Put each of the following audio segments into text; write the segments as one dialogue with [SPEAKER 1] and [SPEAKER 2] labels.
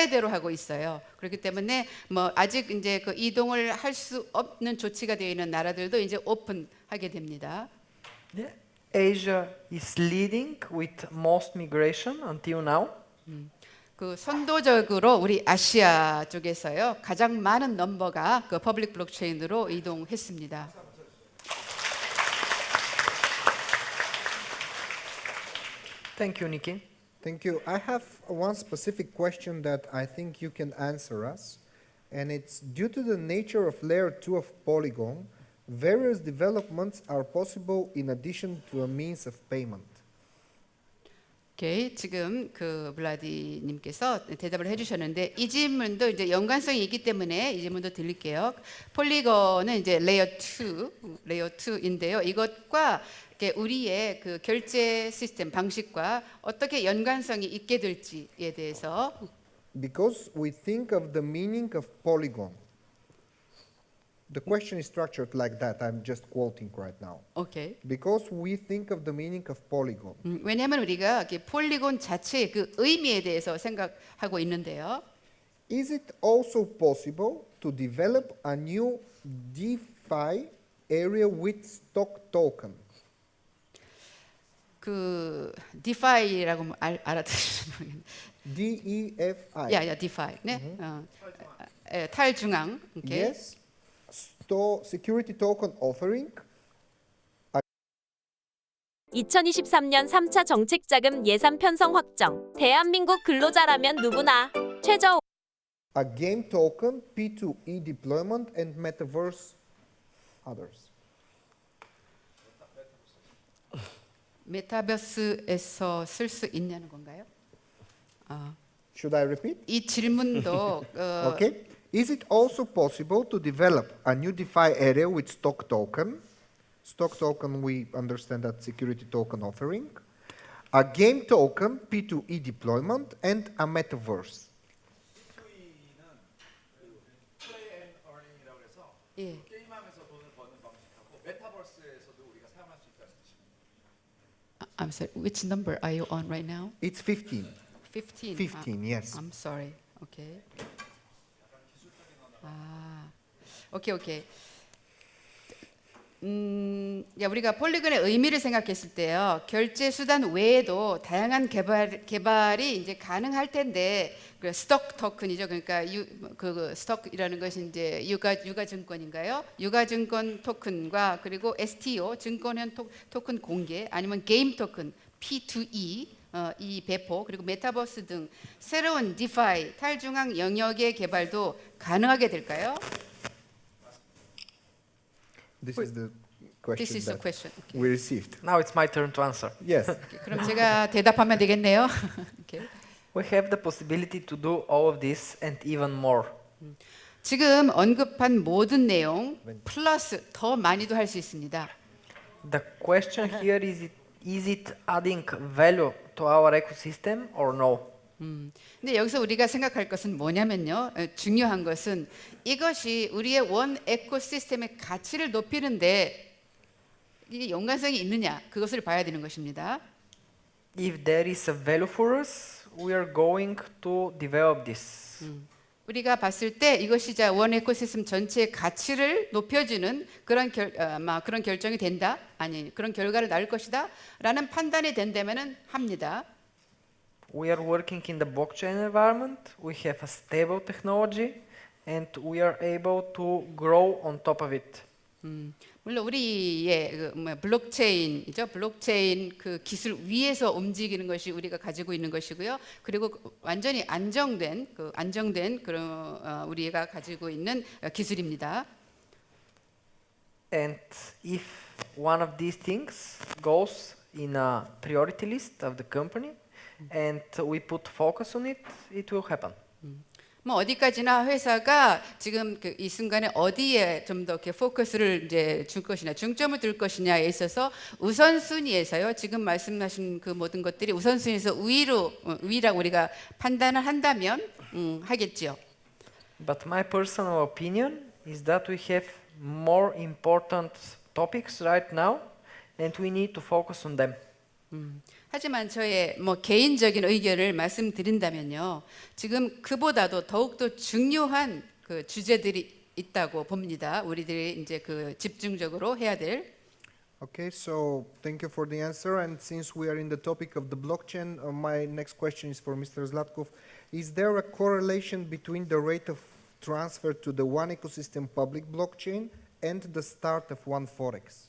[SPEAKER 1] 차례대로 하고 있어요. 그렇기 때문에 뭐 아직 이제 그 이동을 할 수 없는 조치가 되어 있는 나라들도 이제 오픈하게 됩니다.
[SPEAKER 2] Yeah. Asia is leading with most migration until now.
[SPEAKER 1] 그 선도적으로 우리 아시아 쪽에서요 가장 많은 넘버가 그 퍼블릭 블록체인으로 이동했습니다.
[SPEAKER 2] Thank you, Nikki.
[SPEAKER 3] Thank you. I have one specific question that I think you can answer us, and it's due to the nature of layer 2 of Polygon, various developments are possible in addition to a means of payment.
[SPEAKER 1] 오케이, 지금 그 블라디님께서 대답을 해주셨는데 이 질문도 이제 연관성이 있기 때문에 이 질문도 드릴게요. 폴리건은 이제 레이어 2인데요. 이것과 이렇게 우리의 그 결제 시스템 방식과 어떻게 연관성이 있게 될지에 대해서.
[SPEAKER 3] Because we think of the meaning of Polygon. The question is structured like that. I'm just quoting right now.
[SPEAKER 1] 오케이.
[SPEAKER 3] Because we think of the meaning of Polygon.
[SPEAKER 1] 왜냐하면 우리가 이렇게 폴리곤 자체의 그 의미에 대해서 생각하고 있는데요.
[SPEAKER 3] Is it also possible to develop a new DeFi area with stock token?
[SPEAKER 1] 그 DeFi라고 알아들으시는 모르겠는데.
[SPEAKER 3] DEFI.
[SPEAKER 1] 야, DeFi. 네. 탈중앙. 오케이.
[SPEAKER 3] Yes. Security token offering.
[SPEAKER 4] 2023년 3차 정책자금 예산 편성 확정. 대한민국 근로자라면 누구나 최저
[SPEAKER 3] A game token, P2E deployment, and metaverse others.
[SPEAKER 1] 메타버스에서 쓸 수 있냐는 건가요?
[SPEAKER 3] Should I repeat?
[SPEAKER 1] 이 질문도
[SPEAKER 3] Okay. Is it also possible to develop a new DeFi area with stock token? Stock token, we understand that security token offering. A game token, P2E deployment, and a metaverse.
[SPEAKER 1] 예. I'm sorry. Which number are you on right now?
[SPEAKER 3] It's 15.
[SPEAKER 1] 15.
[SPEAKER 3] 15, yes.
[SPEAKER 1] I'm sorry. Okay. 오케이. 야, 우리가 폴리곤의 의미를 생각했을 때요, 결제 수단 외에도 다양한 개발이 이제 가능할 텐데, 그 스톡 토큰이죠. 그러니까 그 스톡이라는 것이 이제 유가 증권인가요? 유가 증권 토큰과 그리고 STO 증권형 토큰 공개, 아니면 게임 토큰 P2E 이 배포, 그리고 메타버스 등 새로운 디파이 탈중앙 영역의 개발도 가능하게 될까요?
[SPEAKER 3] This is the question
[SPEAKER 1] This is the
[SPEAKER 3] that
[SPEAKER 1] question. Okay.
[SPEAKER 3] we received.
[SPEAKER 2] Now it's my turn to answer.
[SPEAKER 3] Yes.
[SPEAKER 1] 그럼 제가 대답하면 되겠네요. okay.
[SPEAKER 2] We have the possibility to do all of this and even more.
[SPEAKER 1] 지금 언급한 모든 내용 플러스 더 많이도 할 수 있습니다.
[SPEAKER 2] The question here is it adding value to our ecosystem or no?
[SPEAKER 1] 근데 여기서 우리가 생각할 것은 뭐냐면요. 중요한 것은 이것이 우리의 원 에코시스템의 가치를 높이는데 이게 연관성이 있느냐, 그것을 봐야 되는 것입니다.
[SPEAKER 2] If there is a value for us, we are going to develop this.
[SPEAKER 1] 우리가 봤을 때 이것이 원 에코시스템 전체의 가치를 높여주는 그런 그런 결정이 된다, 아니 그런 결과를 낳을 것이다라는 판단이 된다면은 합니다.
[SPEAKER 2] We are working in the blockchain environment. We have a stable technology, and we are able to grow on top of it.
[SPEAKER 1] 물론 우리의 블록체인이죠. 블록체인 그 기술 위에서 움직이는 것이 우리가 가지고 있는 것이고요. 그리고 완전히 안정된 그런 우리가 가지고 있는 기술입니다.
[SPEAKER 2] And if one of these things goes in a priority list of the company, and we put focus on it, it will happen.
[SPEAKER 1] 뭐 어디까지나 회사가 지금 이 순간에 어디에 좀 더 이렇게 포커스를 이제 줄 것이냐, 중점을 둘 것이냐에 있어서 우선순위에서요. 지금 말씀하신 그 모든 것들이 우선순위에서 우위라고 우리가 판단을 한다면 하겠지요.
[SPEAKER 2] But my personal opinion is that we have more important topics right now, and we need to focus on them.
[SPEAKER 1] 하지만 저의 뭐 개인적인 의견을 말씀드린다면요, 지금 그보다도 더욱더 중요한 그 주제들이 있다고 봅니다. 우리들이 이제 그 집중적으로 해야 될.
[SPEAKER 3] Okay, so thank you for the answer. And since we are in the topic of the blockchain, my next question is for Mr. Zlatkov. Is there a correlation between the rate of transfer to the one ecosystem public blockchain and the start of one forex?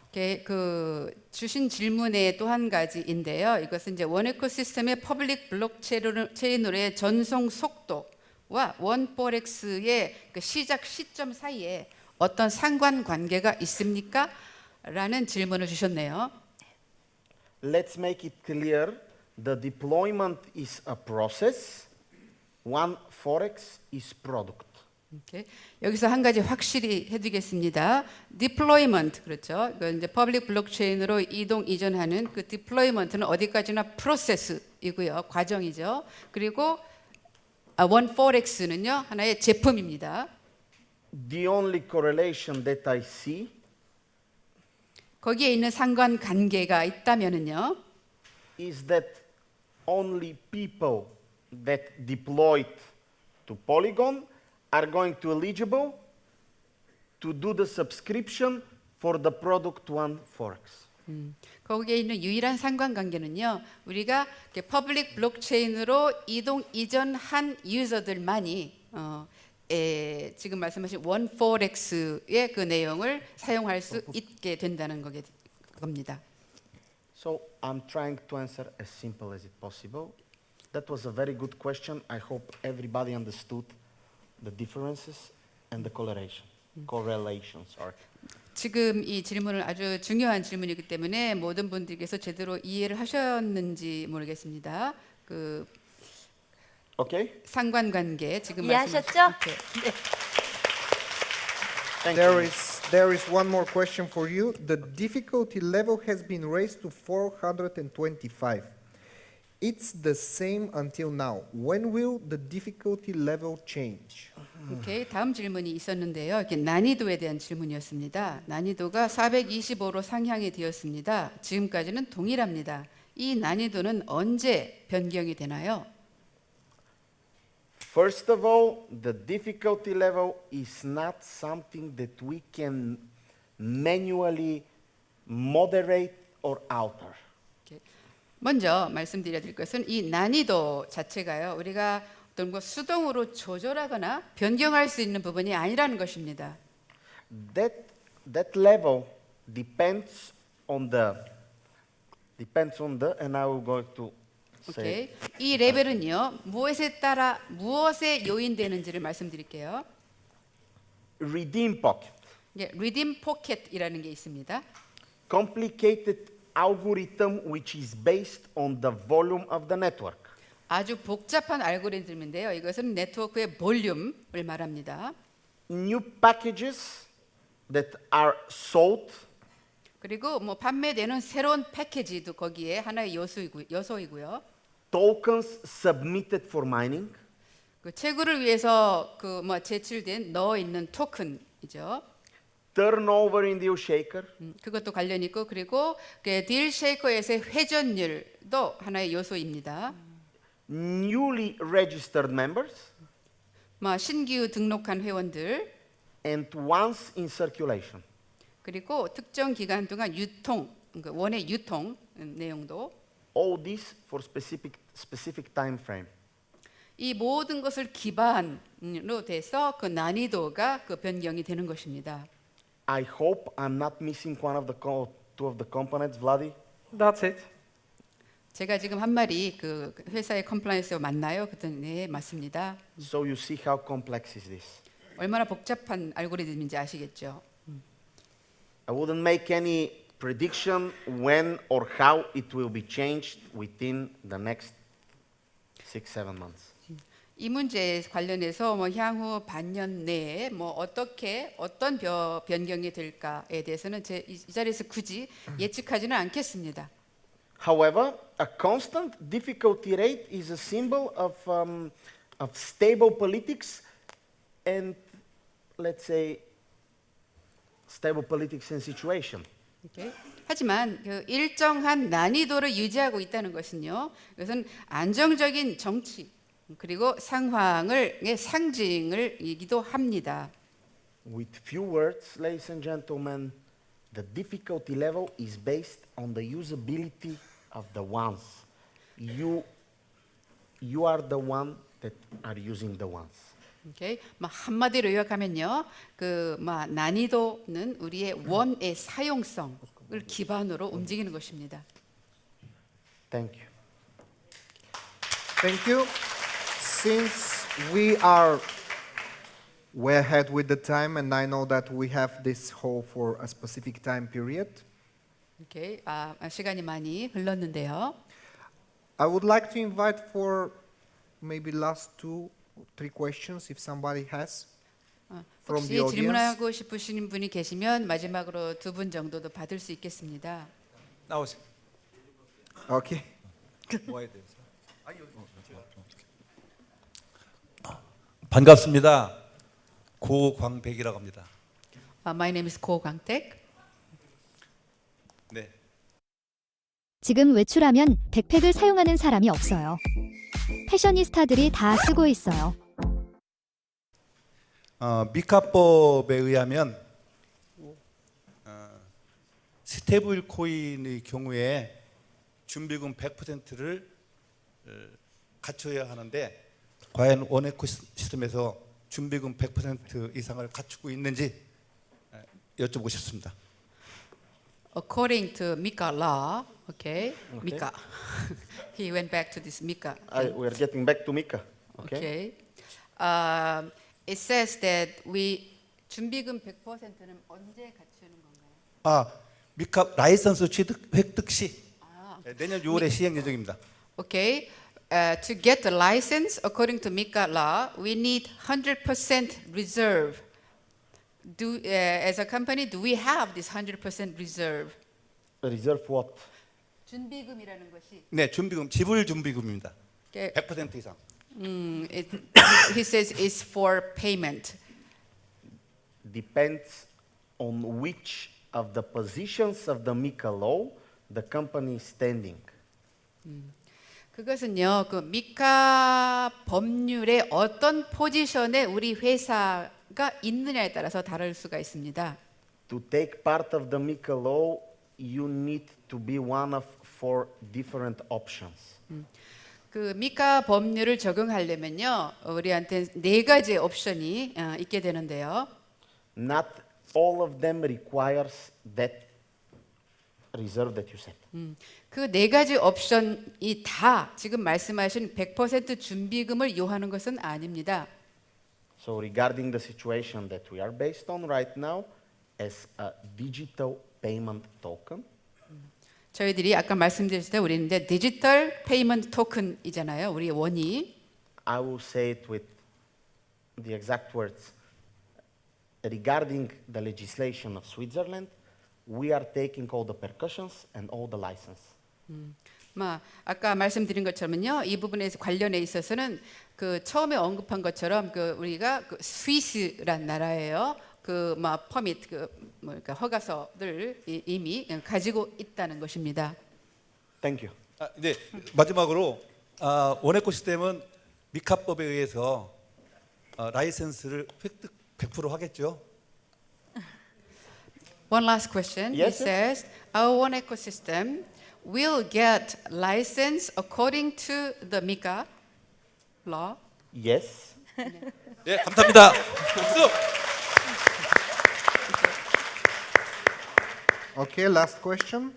[SPEAKER 1] 그 주신 질문의 또 한 가지인데요. 이것은 이제 원 에코시스템의 퍼블릭 블록체인으로의 전송 속도와 원 포렉스의 그 시작 시점 사이에 어떤 상관관계가 있습니까? 라는 질문을 주셨네요.
[SPEAKER 5] Let's make it clear, the deployment is a process, one forex is product.
[SPEAKER 1] 오케이. 여기서 한 가지 확실히 해두겠습니다. deployment 그렇죠. 이건 이제 퍼블릭 블록체인으로 이전하는 그 deployment는 어디까지나 프로세스이고요, 과정이죠. 그리고 one forex는요 하나의 제품입니다.
[SPEAKER 5] The only correlation that I see
[SPEAKER 1] 거기에 있는 상관관계가 있다면은요,
[SPEAKER 5] is that only people that deployed to Polygon are going to eligible to do the subscription for the product one forex.
[SPEAKER 1] 거기에 있는 유일한 상관관계는요, 우리가 퍼블릭 블록체인으로 이전한 유저들만이 지금 말씀하신 원 포렉스의 그 내용을 사용할 수 있게 된다는 겁니다.
[SPEAKER 5] So I'm trying to answer as simple as it possible. That was a very good question. I hope everybody understood the differences and the correlation. Sorry.
[SPEAKER 1] 지금 이 질문은 아주 중요한 질문이기 때문에 모든 분들께서 제대로 이해를 하셨는지 모르겠습니다. 그
[SPEAKER 5] Okay?
[SPEAKER 1] 상관관계 지금
[SPEAKER 4] 이해하셨죠?
[SPEAKER 1] 말씀하신- 네.
[SPEAKER 5] Thank you.
[SPEAKER 3] There is one more question for you. The difficulty level has been raised to 425. It's the same until now. When will the difficulty level change?
[SPEAKER 1] 오케이, 다음 질문이 있었는데요. 이렇게 난이도에 대한 질문이었습니다. 난이도가 425로 상향이 되었습니다. 지금까지는 동일합니다. 이 난이도는 언제 변경이 되나요?
[SPEAKER 5] First of all, the difficulty level is not something that we can manually moderate or alter.
[SPEAKER 1] 먼저 말씀드려야 될 것은 이 난이도 자체가요, 우리가 어떤 거 수동으로 조절하거나 변경할 수 있는 부분이 아니라는 것입니다.
[SPEAKER 5] That level depends on the, and I will go to say.
[SPEAKER 1] 오케이. 이 레벨은요, 무엇에 요인되는지를 말씀드릴게요.
[SPEAKER 5] Redeem pocket.
[SPEAKER 1] 리딤 포켓이라는 게 있습니다.
[SPEAKER 5] Complicated algorithm which is based on the volume of the network.
[SPEAKER 1] 아주 복잡한 알고리즘인데요. 이것은 네트워크의 볼륨을 말합니다.
[SPEAKER 5] New packages that are sold
[SPEAKER 1] 그리고 뭐 판매되는 새로운 패키지도 거기에 하나의 요소이고요.
[SPEAKER 5] tokens submitted for mining,
[SPEAKER 1] 그 채굴을 위해서 그 뭐 제출된 넣어 있는 토큰이죠.
[SPEAKER 5] turnover in deal shaker,
[SPEAKER 1] 그것도 관련 있고, 그리고 그 딜 쉐이커에서의 회전율도 하나의 요소입니다.
[SPEAKER 5] newly registered members,
[SPEAKER 1] 뭐 신규 등록한 회원들,
[SPEAKER 5] and once in circulation.
[SPEAKER 1] 그리고 특정 기간 동안 유통, 그 원의 유통 내용도,
[SPEAKER 5] All this for specific time frame.
[SPEAKER 1] 이 모든 것을 기반으로 돼서 그 난이도가 그 변경이 되는 것입니다.
[SPEAKER 5] I hope I'm not missing one of the two of the components, Vladi.
[SPEAKER 2] That's it.
[SPEAKER 1] 제가 지금 한 말이 그 회사의 컴플라이언스와 맞나요? 그랬더니 네, 맞습니다.
[SPEAKER 5] So you see how complex is this.
[SPEAKER 1] 얼마나 복잡한 알고리즘인지 아시겠죠?
[SPEAKER 5] I wouldn't make any prediction when or how it will be changed within the next 6-7 months.
[SPEAKER 1] 이 문제에 관련해서 뭐 향후 반년 내에 뭐 어떤 변경이 될까에 대해서는 이 자리에서 굳이 예측하지는 않겠습니다.
[SPEAKER 5] However, a constant difficulty rate is a symbol of stable politics and, let's say, stable politics and situation.
[SPEAKER 1] 오케이. 하지만 그 일정한 난이도를 유지하고 있다는 것은요. 이것은 안정적인 정치 그리고 상황의 상징을이기도 합니다.
[SPEAKER 5] With few words, ladies and gentlemen, the difficulty level is based on the usability of the ones. You are the one that are using the ones.
[SPEAKER 1] 오케이. 한마디로 요약하면요. 난이도는 우리의 원의 사용성을 기반으로 움직이는 것입니다.
[SPEAKER 5] Thank you.
[SPEAKER 3] Thank you. Since we are way ahead with the time, and I know that we have this hall for a specific time period,
[SPEAKER 1] 오케이. 시간이 많이 흘렀는데요.
[SPEAKER 3] I would like to invite for maybe last 2-3 questions if somebody has from
[SPEAKER 1] 혹시
[SPEAKER 3] the audience.
[SPEAKER 1] 질문하고 싶으신 분이 계시면 마지막으로 2분 정도도 받을 수 있겠습니다.
[SPEAKER 6] 나오세요.
[SPEAKER 3] Okay.
[SPEAKER 6] 뭐에 대해서? 반갑습니다. 고광백이라고 합니다.
[SPEAKER 1] My name is 고 광택.
[SPEAKER 6] 네.
[SPEAKER 7] 지금 외출하면 백팩을 사용하는 사람이 없어요. 패셔니스타들이 다 쓰고 있어요.
[SPEAKER 6] 미카법에 의하면 스테이블 코인의 경우에 준비금 100%를 갖춰야 하는데 과연 원에코 시스템에서 준비금 100% 이상을 갖추고 있는지 여쭤보고 싶습니다.
[SPEAKER 1] According to MiCA law, okay, MiCA. He went back to this MiCA.
[SPEAKER 5] We are getting back to Mika. Okay.
[SPEAKER 1] Okay. It says that 준비금 100%는 언제 갖추는 건가요?
[SPEAKER 6] 미카 라이선스 취득 획득 시 내년 6월에 시행 예정입니다.
[SPEAKER 1] Okay. To get the license, according to MiCA law, we need 100% reserve. As a company, do we have this 100% reserve?
[SPEAKER 5] Reserve what?
[SPEAKER 1] 준비금이라는 것이.
[SPEAKER 6] 네, 준비금 지불 준비금입니다.
[SPEAKER 1] Okay.
[SPEAKER 6] 100% 이상.
[SPEAKER 1] He says it's for payment.
[SPEAKER 5] Depends on which of the positions of the Mika law the company is standing.
[SPEAKER 1] 그것은요, 그 미카 법률의 어떤 포지션에 우리 회사가 있느냐에 따라서 다를 수가 있습니다.
[SPEAKER 5] To take part of the Mika law, you need to be one of 4 different options.
[SPEAKER 1] 그 미카 법률을 적용하려면요, 우리한테 4가지 옵션이 있게 되는데요.
[SPEAKER 5] Not all of them requires that reserve that you set.
[SPEAKER 1] 그 4가지 옵션이 다 지금 말씀하신 100% 준비금을 요하는 것은 아닙니다.
[SPEAKER 5] So regarding the situation that we are based on right now as a digital payment token,
[SPEAKER 1] 저희들이 아까 말씀드렸을 때 우리는 이제 디지털 페이먼트 토큰이잖아요. 우리 원이.
[SPEAKER 5] I will say it with the exact words. Regarding the legislation of Switzerland, we are taking all the percussions and all the license.
[SPEAKER 1] 아까 말씀드린 것처럼요, 이 부분에 관련해 있어서는 그 처음에 언급한 것처럼 그 우리가 그 스위스란 나라예요. 그 퍼밋 그러니까 허가서를 이미 가지고 있다는 것입니다.
[SPEAKER 5] Thank you.
[SPEAKER 6] 네, 마지막으로 원에코 시스템은 미카법에 의해서 라이센스를 획득 100% 하겠죠?
[SPEAKER 1] One last question.
[SPEAKER 5] Yes,
[SPEAKER 1] It says our one ecosystem will get license according to the MiCA law.
[SPEAKER 5] Yes.
[SPEAKER 6] 네, 감사합니다. 박수.
[SPEAKER 3] Okay, last question.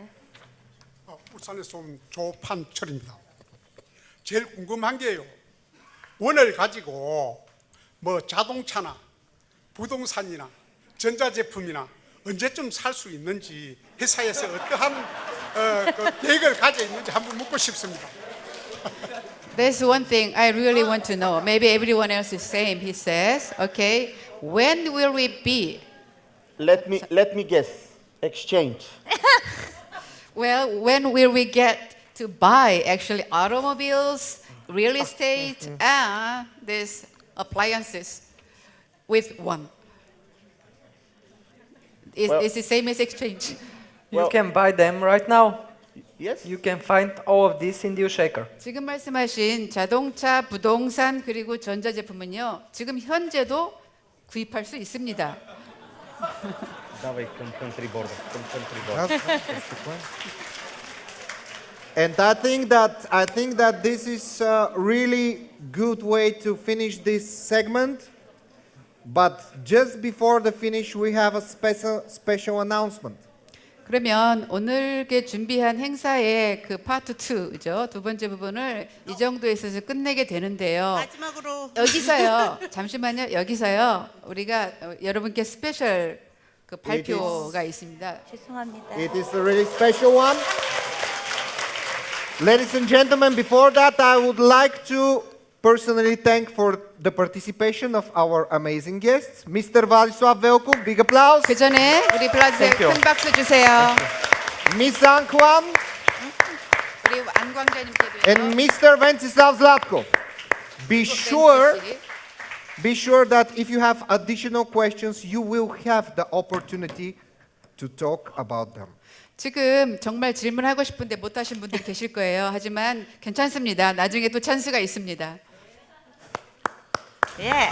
[SPEAKER 8] 울산에서 온 조판철입니다. 제일 궁금한 게요. 원을 가지고 뭐 자동차나 부동산이나 전자제품이나 언제쯤 살 수 있는지 회사에서 어떠한 그 계획을 가져 있는지 한번 묻고 싶습니다.
[SPEAKER 1] There's one thing I really want to know. Maybe everyone else is same. He says, okay, when will we be?
[SPEAKER 5] Let me guess. Exchange.
[SPEAKER 1] Well, when will we get to buy actually automobiles, real estate, and these appliances with one? Is the same as exchange?
[SPEAKER 2] You can buy them right now.
[SPEAKER 5] Yes?
[SPEAKER 2] You can find all of this in the U-Shaker.
[SPEAKER 1] 지금 말씀하신 자동차, 부동산 그리고 전자제품은요. 지금 현재도 구입할 수 있습니다.
[SPEAKER 5] Давай country border.
[SPEAKER 3] That's the point. And I think that this is a really good way to finish this segment. But just before the finish, we have a special announcement.
[SPEAKER 1] 그러면 오늘께 준비한 행사의 그 파트 2죠. 두 번째 부분을 이 정도에서 끝내게 되는데요.
[SPEAKER 9] 마지막으로
[SPEAKER 1] 여기서요. 잠시만요. 여기서요. 우리가 여러분께 스페셜 그 발표가 있습니다.
[SPEAKER 9] 죄송합니다.
[SPEAKER 3] It is a really special one. Ladies and gentlemen, before that, I would like to personally thank for the participation of our amazing guests. Mr. Vladislav Velkov, big applause.
[SPEAKER 1] 그 전에 우리 블라드에
[SPEAKER 2] Thank you.
[SPEAKER 1] 큰 박수 주세요.
[SPEAKER 3] Miss Ang Kwan
[SPEAKER 1] 우리 안광자님께도요.
[SPEAKER 3] and Mr. Venceslav Zlatkov. Be sure that if you have additional questions, you will have the opportunity to talk about them.
[SPEAKER 1] 지금 정말 질문하고 싶은데 못 하신 분들 계실 거예요. 하지만 괜찮습니다. 나중에 또 찬스가 있습니다.
[SPEAKER 9] 예.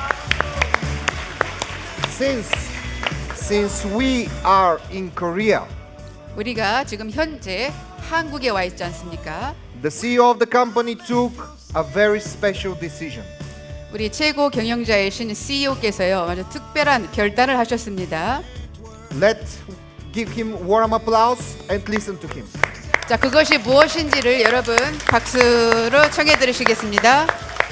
[SPEAKER 3] Since we are in Korea,
[SPEAKER 1] 우리가 지금 현재 한국에 와 있지 않습니까?
[SPEAKER 3] the CEO of the company took a very special decision.
[SPEAKER 1] 우리 최고 경영자이신 CEO께서요. 아주 특별한 결단을 하셨습니다.
[SPEAKER 3] Let's give him warm applause and listen to him.
[SPEAKER 1] 자, 그것이 무엇인지를 여러분 박수로 청해 들으시겠습니다.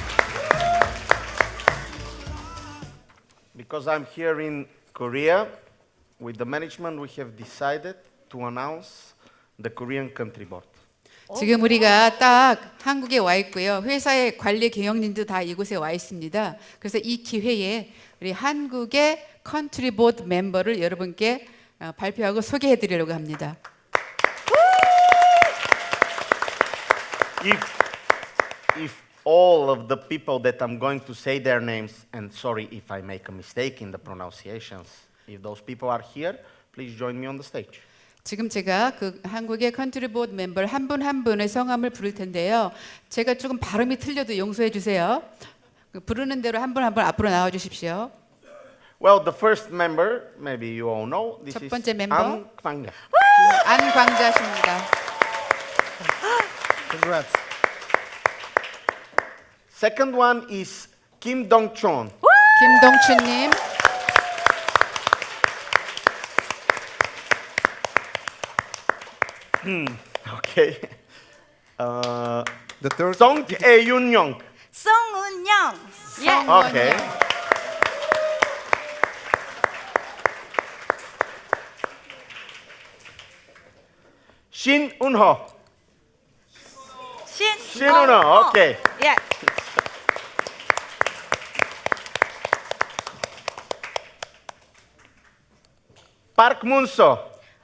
[SPEAKER 5] Because I'm here in Korea, with the management, we have decided to announce the Korean country board.
[SPEAKER 1] 지금 우리가 딱 한국에 와 있고요. 회사의 관리 경영진도 다 이곳에 와 있습니다. 그래서 이 기회에 우리 한국의 컨트리 보드 멤버를 여러분께 발표하고 소개해 드리려고 합니다.
[SPEAKER 5] If all of the people that I'm going to say their names, and sorry if I make a mistake in the pronunciations, if those people are here, please join me on the stage.
[SPEAKER 1] 지금 제가 그 한국의 컨트리 보드 멤버 한 분 한 분의 성함을 부를 텐데요. 제가 조금 발음이 틀려도 용서해 주세요. 부르는 대로 한 분 한 분 앞으로 나와 주십시오.
[SPEAKER 5] Well, the first member, maybe you all know, this
[SPEAKER 1] 첫
[SPEAKER 5] is
[SPEAKER 1] 번째 멤버.
[SPEAKER 5] An Kwangja.
[SPEAKER 1] 안광자십니다.
[SPEAKER 3] Congrats.
[SPEAKER 5] Second one is Kim Dong-chon.
[SPEAKER 1] 김동춘님,
[SPEAKER 5] Okay.
[SPEAKER 3] The third.
[SPEAKER 5] Song Ae-yun-young.
[SPEAKER 9] 송은영. 예.
[SPEAKER 5] Okay. Shin Un-ho. Shin-un-ho. Okay.
[SPEAKER 9] 예.
[SPEAKER 5] Park Mun-so.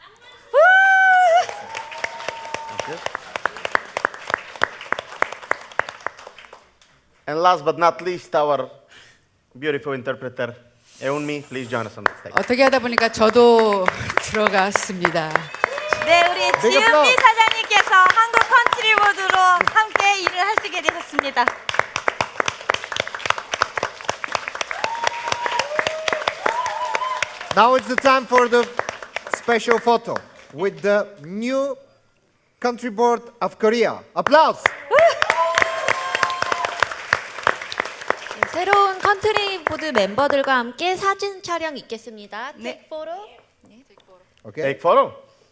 [SPEAKER 5] And last but not least, our beautiful interpreter, Eunmi. Please join us on the stage.
[SPEAKER 1] 어떻게 하다 보니까 저도 들어갔습니다.
[SPEAKER 9] 네, 우리
[SPEAKER 3] applause.
[SPEAKER 9] 지은미 사장님께서 한국 컨트리보드로 함께 일을 하시게 되셨습니다.
[SPEAKER 3] Now it's the time for the special photo with the new country board of Korea. Applause.
[SPEAKER 10] 새로운 컨트리 보드 멤버들과 함께 사진 촬영 있겠습니다.
[SPEAKER 9] 네.
[SPEAKER 10] 포로.
[SPEAKER 3] Okay.
[SPEAKER 5] Take photo.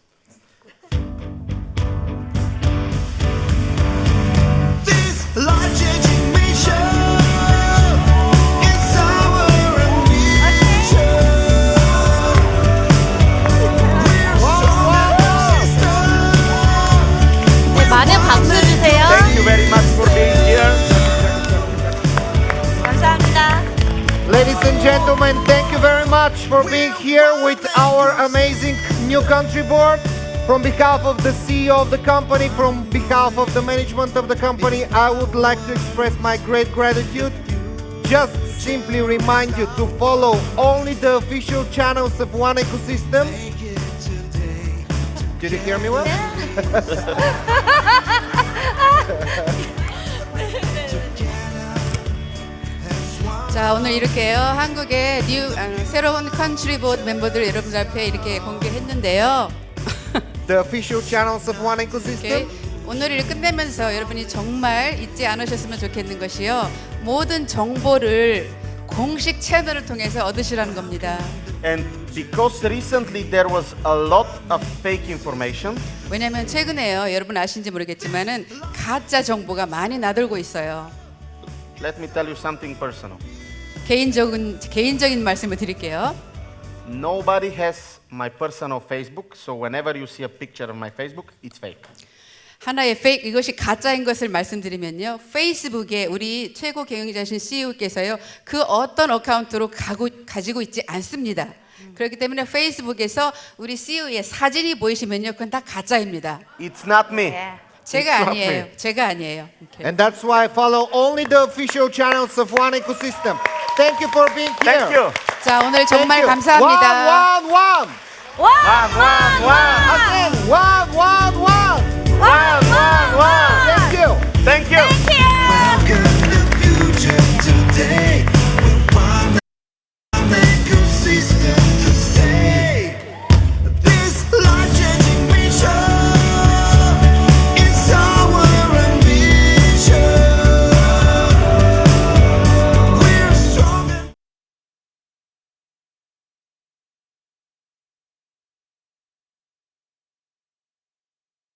[SPEAKER 10] 네, 많은 박수 주세요.
[SPEAKER 5] Thank you very much for being here.
[SPEAKER 9] 감사합니다.
[SPEAKER 3] Ladies and gentlemen, thank you very much for being here with our amazing new country board. From behalf of the CEO of the company, from behalf of the management of the company, I would like to express my great gratitude. Just simply remind you to follow only the official channels of One Ecosystem. Did you hear me well?
[SPEAKER 1] 자, 오늘 이렇게요. 한국의 새로운 컨트리 보드 멤버들 여러분들 앞에 이렇게 공개했는데요.
[SPEAKER 3] The official channels of One Ecosystem.
[SPEAKER 1] 이렇게 오늘을 끝내면서 여러분이 정말 잊지 않으셨으면 좋겠는 것이요. 모든 정보를 공식 채널을 통해서 얻으시라는 겁니다.
[SPEAKER 5] And because recently there was a lot of fake information,
[SPEAKER 1] 왜냐하면 최근에요. 여러분 아신지 모르겠지만은 가짜 정보가 많이 나돌고 있어요.
[SPEAKER 5] let me tell you something personal.
[SPEAKER 1] 개인적인 말씀을 드릴게요.
[SPEAKER 5] Nobody has my personal Facebook, so whenever you see a picture on my Facebook, it's fake.
[SPEAKER 1] 하나의 페이크 이것이 가짜인 것을 말씀드리면요. 페이스북에 우리 최고 경영자신 CEO께서요. 그 어떤 어카운트로 가지고 있지 않습니다. 그렇기 때문에 페이스북에서 우리 CEO의 사진이 보이시면요. 그건 다 가짜입니다.
[SPEAKER 5] It's not me.
[SPEAKER 1] 제가
[SPEAKER 5] It's not
[SPEAKER 1] 아니에요.
[SPEAKER 5] me.
[SPEAKER 1] 제가 아니에요. 이렇게.
[SPEAKER 3] And that's why I follow only the official channels of One Ecosystem. Thank you for being here.
[SPEAKER 5] Thank you.
[SPEAKER 1] 자, 오늘 정말
[SPEAKER 3] Thank you.
[SPEAKER 1] 감사합니다.
[SPEAKER 3] One.
[SPEAKER 5] One.